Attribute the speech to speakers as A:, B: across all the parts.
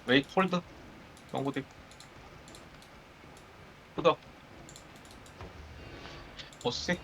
A: 웨이 홀드 영구디 푸더 보스시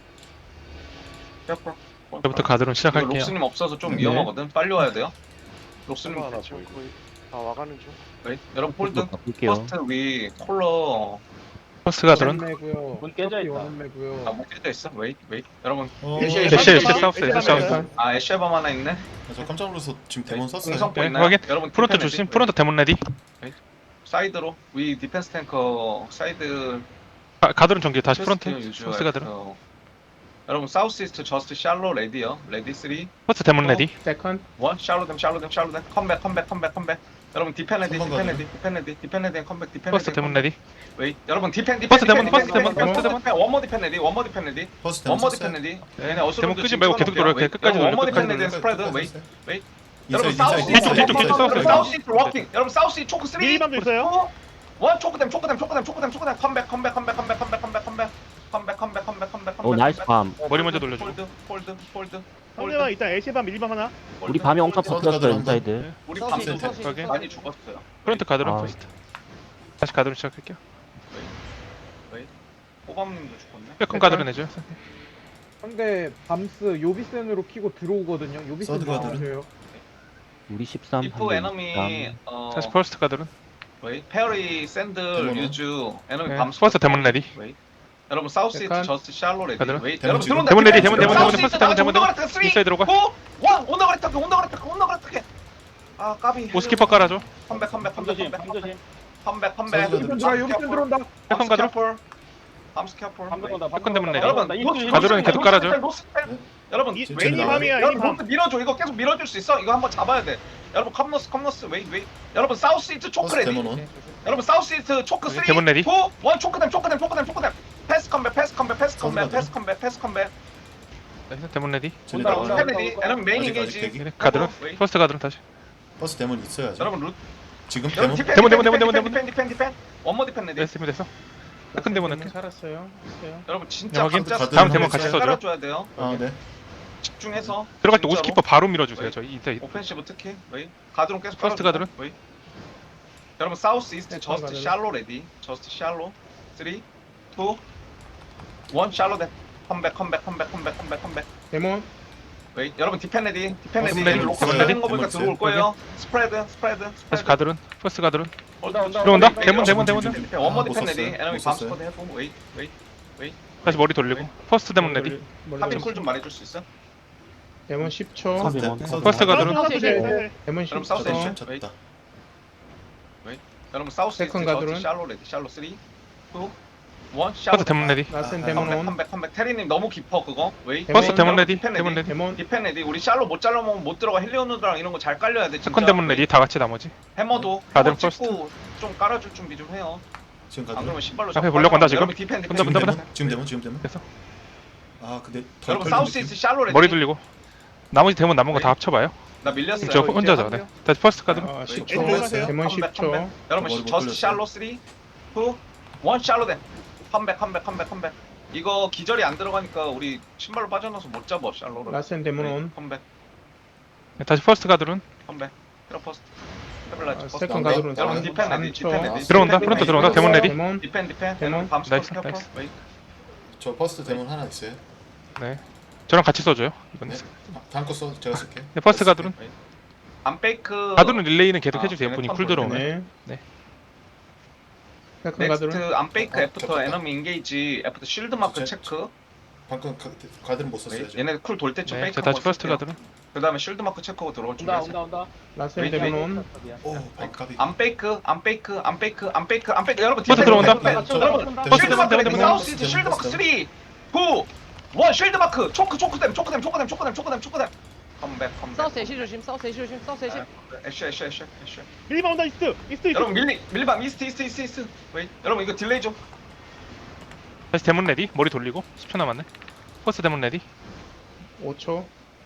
A: 페어풀
B: 이제부터 가드론
A: 이거
B: 시작할게요.
A: 록스님 없어서 좀
C: 네.
A: 위험하거든. 빨리 와야 돼요. 록스님
D: 하나
A: 대충.
D: 보이고 거의 다 와가는 중.
A: 웨이 여러분 홀드
C: 바꿀게요.
A: 퍼스트 위 콜러
B: 퍼스트 가드론.
E: 원매고요.
C: 문 깨져 있다.
E: 원매고요.
A: 아뭐 깨져 있어. 웨이 여러분
B: 애쉬 애쉬 사우스 애쉬 사우스.
A: 아 애쉬밤 하나 있네.
F: 저 깜짝 놀라서 지금 데몬 썼어요.
A: 공성포
B: 네,
A: 있나요?
B: 확인.
A: 여러분
B: 프론트
A: 디펜
B: 조심.
A: 레디.
B: 프론트 데몬 레디.
A: 사이드로 위 디펜스 탱커 사이드
B: 가드론 전개 다시 프론트.
A: 유저
B: 퍼스트 가드론.
A: 여러분 사우스 이스트 저스트 샬로 레디요. 레디 3
B: 퍼스트 데몬 레디.
E: 세컨.
A: 1 샬로 댐 컴백 여러분 디펜 레디
F: 한번
A: 디펜 레디 컴백 디펜
B: 퍼스트 데몬 레디.
A: 웨이 여러분 디펜
B: 퍼스트 데몬, 퍼스트 데몬,
E: 퍼스트
B: 데몬.
A: 원모 디펜 레디
F: 퍼스트 데몬
A: 원모
F: 썼어요.
A: 디펜 레디
B: 네,
A: 얘네 어수선도
B: 데몬 끄지
A: 지금
B: 말고 계속
A: 찍어놓을게요.
B: 돌아요. 끝까지
A: 여러분, 원모
B: 돌려,
A: 디펜
B: 끝까지
A: 레디 스프레드 웨이 웨이 여러분
F: 인사이드,
A: 사우스
F: 인사이드,
B: 뒤쪽, 뒤쪽,
F: 인사이드.
B: 뒤쪽,
A: 사우스 이스트 워킹 여러분 사우스 초크 3
D: 미리밤도 있어요?
A: 원 초크댐 컴백
C: 오 나이스 밤.
B: 머리 먼저 돌려주고.
A: 폴드
D: 상대방 일단 애쉬밤 미리밤 하나.
C: 우리 밤이 엄청
F: 사우스
C: 버텼어요
F: 가드론
C: 인사이드.
A: 우리
F: 사우스
A: 밤도
F: 이스트.
B: 확인.
A: 많이 죽었어요.
B: 프론트 가드론
C: 아.
B: 퍼스트. 다시 가드론 시작할게요.
A: 호밤님도 죽었네.
B: 백컨 가드론 해줘요.
E: 상대 밤스 요비센으로 키고 들어오거든요. 요비센
F: 서드 가드는?
E: 나와줘요.
C: 우리 13.
A: 이프 에너미
B: 다시 퍼스트 가드론.
A: 웨이 페어리 샌들
F: 데모노?
A: 유즈 에너미
B: 네,
A: 밤스
B: 퍼스트 데몬 레디.
A: 웨이 여러분 사우스 이스트
E: 약간
A: 저스트 샬로 레디
B: 가드론?
A: 웨이
F: 데몬
A: 여러분
F: 지금?
A: 들어온다
B: 데몬 레디, 데몬,
A: 디펜스.
B: 데몬,
A: 사우스
B: 데몬,
A: 이스트
B: 퍼스트 데몬,
A: 나가자. 온다
B: 인사이드로 가.
A: 온다 그랬다 아 까비
B: 오스키퍼 깔아줘.
A: 컴백
F: 서드
E: 요비센 들어와. 요비센 들어온다.
B: 백컨 가드론.
A: 밤스 캐플
B: 백컨 데몬 레디.
A: 여러분
B: 가드론은 계속 깔아줘.
A: 여러분
D: 이
F: 지금
D: 웨니
F: 나와요?
D: 밤이야.
A: 여러분
D: 애니 밤.
A: 홈트 밀어줘 이거 계속 밀어줄 수 있어 이거 한번 잡아야 돼 여러분 컴너스 웨이 여러분 사우스 이스트 초크
F: 퍼스트
A: 레디
F: 데몬 온.
A: 여러분 사우스 이스트 초크 3 2 1
B: 데몬 레디.
A: 초크댐 패스 컴백
B: 나이스 데몬 레디.
F: 쟤네
E: 온다,
F: 나와요.
E: 온다.
A: 패밀리 여러분 메인
F: 아직,
A: 인게이지
F: 아직
B: 네, 가드론.
A: 웨이.
B: 퍼스트 가드론 다시.
F: 퍼스트 데몬 있어야죠.
A: 여러분 루
F: 지금
A: 여러분
F: 데몬
A: 디펜 원모 디펜 레디
B: 됐습니다. 됐어. 백컨 데몬 레디.
E: 살았어요. 했어요.
A: 여러분 진짜
B: 확인.
A: 진짜
F: 다음
B: 데몬 같이 써줘요.
A: 깔아줘야 돼요
F: 아 네.
A: 집중해서
B: 들어갈 때
A: 진짜로.
B: 오스키퍼 바로 밀어주세요. 저희 인사이드.
A: 오펜시브 특히 웨이 가드론 계속
B: 퍼스트
A: 깔아줘요.
B: 가드론.
A: 웨이 여러분 사우스 이스트
E: 네,
A: 저스트
E: 가드론.
A: 샬로 레디 저스트 샬로 3 2 1 샬로 댐 컴백
E: 데몬.
A: 웨이 여러분 디펜 레디
F: 데몬 레디.
A: 로커
F: 데몬
A: 되는
F: 레디.
A: 거 보니까
F: 데몬
A: 들어올 거예요 스프레드
B: 다시 가드론. 퍼스트 가드론.
A: 들어온다
B: 들어온다. 데몬.
A: 원모
F: 아,
A: 디펜
F: 못
A: 레디
F: 썼어요.
A: 에너미
F: 못
A: 밤스
F: 썼어요.
A: 코드 해보 웨이
B: 다시 머리 돌리고. 퍼스트 데몬 레디.
A: 하빈 콜좀 말해줄 수 있어?
E: 데몬 10초.
C: 퍼스트
F: 데몬.
C: 데몬.
B: 퍼스트 가드론.
E: 데몬
A: 여러분 사우스
E: 10초.
A: 에이션
F: 졌다.
A: 여러분 사우스
E: 세컨
A: 이스트
E: 가드론.
A: 저스트 샬로 레디 샬로 3 2 1 샬로
B: 퍼스트 데몬 레디.
E: 라센
F: 아,
E: 데몬 온.
A: 컴백 테리님 너무 깊어 그거 웨이
B: 퍼스트 데몬 레디.
A: 디펜
B: 데몬 레디.
E: 데몬.
A: 디펜 레디 우리 샬로 못 잘라먹으면 못 들어가 헬리오누드랑 이런 거 잘 깔려야 돼 진짜
B: 세컨 데몬 레디. 다 같이 나머지.
A: 해머도
B: 가드론
A: 해머 찍고 좀 깔아줄 준비 좀 해요
F: 지금
A: 안
F: 가드론.
A: 그러면 신발로
B: 앞에 보려고 한다, 지금?
A: 여러분 디펜
B: 본다,
F: 지금
B: 본다,
F: 데몬.
B: 본다.
F: 지금 데몬.
B: 됐어.
F: 아 근데 덜
A: 여러분
F: 걸린
A: 사우스
F: 느낌?
A: 이스트 샬로 레디
B: 머리 돌리고. 나머지 데몬 남은 거 다 합쳐봐요.
A: 나 밀렸어요
B: 저 혼자죠. 네. 다시 퍼스트 가드론.
E: 아,
A: 웨이.
E: 10초. 데몬
A: 컴백,
E: 10초.
A: 여러분
F: 머리 못
A: 저스트
F: 돌렸어요.
A: 샬로 3 2 1 샬로 댐 컴백 이거 기절이 안 들어가니까 우리 신발로 빠져나서 못 잡아 샬로를
E: 라센 데몬
A: 웨이.
E: 온.
A: 컴백
B: 네, 다시 퍼스트 가드론.
A: 히로 퍼스트 스테빌라이즈 퍼스트
E: 세컨
F: 네.
E: 가드론.
A: 여러분 디펜 레디 디펜
E: 3초.
A: 레디
B: 들어온다.
A: 디펜
B: 프론트
A: 레디.
B: 들어온다. 데몬 레디.
E: 데몬.
A: 디펜
E: 데몬.
A: 밤스
B: 나이스,
A: 캐퍼
B: 나이스.
A: 웨이
F: 저 퍼스트 데몬 하나 있어요.
B: 네. 저랑 같이 써줘요. 이번에.
F: 네. 다음 거 써. 제가 쓸게.
B: 네, 퍼스트 가드론.
A: 안 페이크
B: 가드론 릴레이는 계속
A: 아,
B: 해주세요.
A: 걔네
B: 분이
A: 턴
B: 쿨 들어오면.
E: 네.
B: 네.
E: 세컨 가드론.
A: 넥스트 안 페이크
F: 어,
A: 애프터
F: 겹쳤다.
A: 에너미 인게이지 애프터 쉴드 마크
F: 제-
A: 체크
F: 방금 가드론 못 썼어요.
A: 웨이.
F: 지금.
A: 얘네 쿨 돌 때쯤
B: 네.
A: 페이크
B: 자, 다시 퍼스트 가드론.
A: 그 다음에 쉴드 마크 체크하고 들어올 준비하세요
E: 라센
A: 웨이,
E: 데몬
A: 웨이.
E: 온.
F: 오 반갑이.
A: 안 페이크 여러분
B: 퍼스트
A: 디펜,
B: 들어온다.
A: 디펜. 여러분
B: 퍼스트
A: 쉴드 마크
B: 데몬,
A: 레디
B: 데몬.
A: 사우스 이스트 쉴드 마크 3 2 1 쉴드 마크 초크댐 컴백
G: 사우스 애쉬 조심, 사우스 애쉬 조심, 사우스 애쉬.
A: 애쉬
D: 미리밤 온다 이스트.
A: 여러분 밀리밤 이스트 웨이 여러분 이거 딜레이 좀
B: 다시 데몬 레디. 머리 돌리고. 10초 남았네. 퍼스트 데몬 레디.
E: 5초.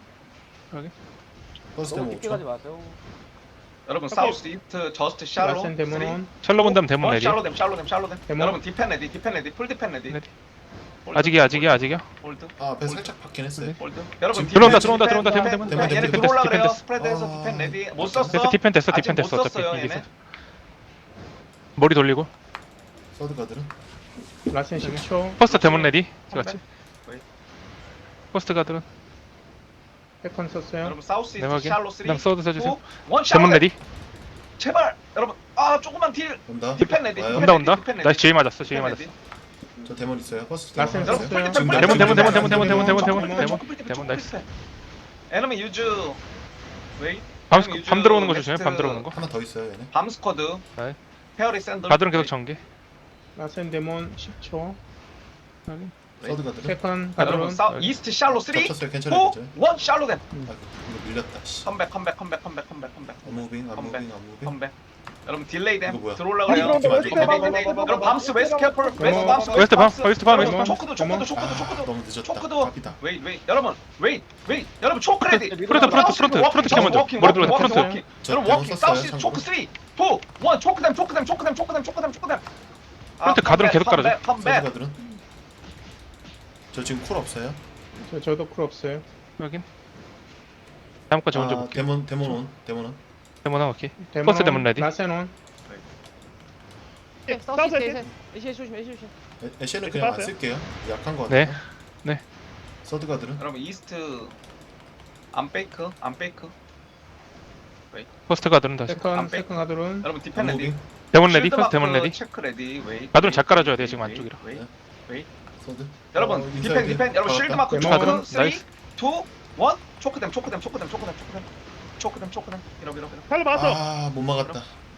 F: 퍼스트 데몬 5초.
A: 여러분 사우스 이스트 저스트 샬로
E: 라센 데몬 온.
B: 샬로 본 다음 데몬 레디.
A: 샬로 댐
E: 데몬.
A: 여러분 디펜 레디 풀 디펜 레디
B: 레디. 아직이야.
A: 홀드.
F: 아, 배 살짝 받긴 했어요.
A: 홀드. 여러분
F: 지금
B: 들어온다.
A: 디펜,
B: 대문.
F: 대문,
A: 얘네
F: 대문,
A: 들어올라 그래요.
B: 됐어.
A: 스프레드에서
F: 아.
A: 디펜 레디. 못 썼어.
B: 됐어. 디펜 됐어.
A: 아직
B: 디펜
A: 못
B: 됐어.
A: 썼어요,
B: 어차피 이게
A: 얘네.
B: 머리 돌리고.
F: 서드 가드는
E: 라센 10초.
B: 퍼스트 데몬 레디.
A: 컴백.
B: 같이. 퍼스트 가드는
E: 세컨 썼어요.
A: 여러분 사우스 이스트
B: 네모하게.
A: 샬로 3.
B: 그다음 서드 써주세요.
A: 원
B: 데몬
A: 샬로.
B: 레디.
A: 제발 여러분. 아 조금만 딜.
F: 온다.
A: 디펜 레디.
F: 와요.
B: 온다. 나이스 J 맞았어.
A: 디펜 레디.
F: 저 데몬 있어요. 퍼스트
E: 라센
F: 데몬
E: 썼어요.
F: 있어요. 지금
A: 데몬,
B: 데몬 나이스.
A: 에너미 유즈. 웨이.
B: 밤 들어오는 거 조심해. 밤 들어오는 거.
F: 하나 더 있어요, 얘네.
A: 밤 스쿼드.
B: 네.
A: 페어리 샌들.
B: 가드는 계속 전개.
E: 라센 데몬 10초.
F: 서드 가드는
E: 세컨
A: 여러분
E: 가드론.
A: 사우 이스트 샬로 3. 2
F: 겹쳤어요. 괜찮아요.
A: 1 샬로 댐.
F: 아, 이거 밀렸다. 씨.
A: 컴백.
F: 안무빙.
A: 컴백. 여러분 딜레이 댐
F: 이거 뭐야?
A: 들어올라 그래요.
F: 웨스트
A: 여러분 밤스 웨스트 캐플 웨스트 밤스
B: 웨스트 밤.
E: 데몬.
A: 초크도
F: 아, 너무 늦었다.
A: 초크도
F: 갑이다.
A: 웨이 여러분 웨이 여러분 초크 레디
B: 프론트 캐 먼저. 머리 돌려. 프론트.
F: 저
A: 여러분
F: 데몬
A: 워킹
F: 썼어요.
A: 사우스
F: 참고로.
A: 초크 3 2 1 초크 댐
B: 프론트 가드론 계속 깔아줘.
F: 서드
A: 컴백
F: 가드는 저 지금 쿨 없어요.
E: 저도 쿨 없어요.
B: 여긴. 다음 거지 먼저
F: 아,
B: 볼게.
F: 데몬 온.
B: 데몬 하나 오케이.
E: 데몬
B: 퍼스트 데몬 레디.
E: 라센 온.
G: 사우스 이스트 에시에 조심 에시에 조심.
F: 애쉬는
D: 이렇게
F: 그냥 안
D: 빠졌어요?
F: 쓸게요. 약한 거
B: 네.
F: 같아요. 서드 가드는
A: 여러분 이스트 안 페이크
B: 퍼스트 가드는 다시.
E: 세컨 가드론.
A: 여러분 디펜 레디
F: 안무빙.
B: 데몬 레디.
A: 쉴드
B: 퍼스트 데몬
A: 마크
B: 레디.
A: 체크 레디 웨이
B: 가드론 잘 깔아줘야 돼, 지금 안쪽이라.
F: 서드.
A: 여러분 디펜 여러분 쉴드 마크
E: 데몬.
A: 초크 3 2 1
B: 나이스.
A: 초크 댐 이러고
D: 살로 맞았어.
F: 아, 못 막았다.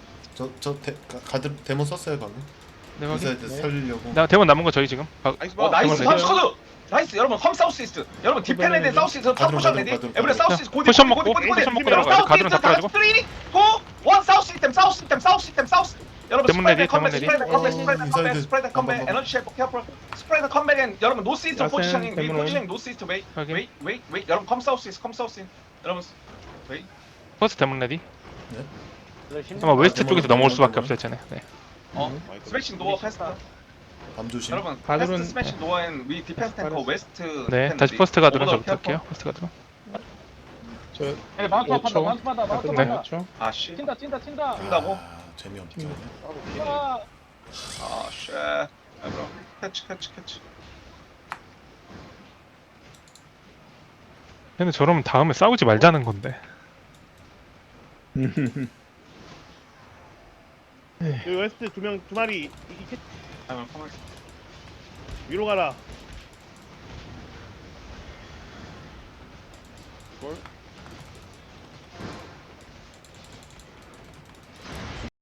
F: 가드 데몬 썼어요, 방금.
B: 네, 확인.
F: 인사이드 살리려고.
B: 나 데몬 남은 거 저희 지금.
A: 나이스
B: 데몬
A: 밤
B: 레디.
A: 스쿼드 나이스 여러분 컴 사우스 이스트 여러분 디펜 레디 사우스 이스트 탑 포션 레디
F: 가드론,
A: 에브리 사우스 이스트 고디
B: 포션 먹고 들어가요. 가드론 다 깔아주고.
A: 3 2 1 사우스 시스템 여러분
B: 데몬 레디, 데몬
A: 스프레드
B: 레디.
A: 컴백 스프레드 컴백
F: 인사이드.
A: 에너지 쉐이프 캐플 스프레드 컴백 앤 여러분 노스 이스트
E: 라센,
A: 포지셔닝 위
E: 데몬.
A: 포지셔닝 노스 이스트 웨이
B: 확인.
A: 여러분 컴 사우스 이스트 여러분
B: 퍼스트 데몬 레디.
G: 그래, 심-
B: 아마 웨스트
F: 데몬,
B: 쪽에서 넘어올
F: 데몬,
B: 수밖에
F: 데몬.
B: 없어요, 쟤네. 네.
A: 스매싱 도어 패스트
F: 밤 조심.
A: 여러분
E: 가드론-
A: 패스트 스매싱 도어 앤위 디펜스 탱커 웨스트
B: 네,
A: 디펜
B: 다시
A: 레디.
B: 퍼스트 가드론
A: 오버돌
B: 저부터 할게요.
A: 캐플.
B: 퍼스트 가드론.
E: 저
G: 예, 마운트 받아
E: 5초.
G: 마운트 받아 마운트
E: 가드론
G: 받아.
E: 5초.
A: 아씨
G: 튄다
A: 튄다고?
F: 아, 재미없죠.
G: 아,
A: 아쉣 여러분 캐치
B: 얘는 저러면 다음에 싸우지 말자는 건데.
D: 여기 웨스트 두 마리
A: 아니면 가만히
D: 위로 가라.
A: 있어.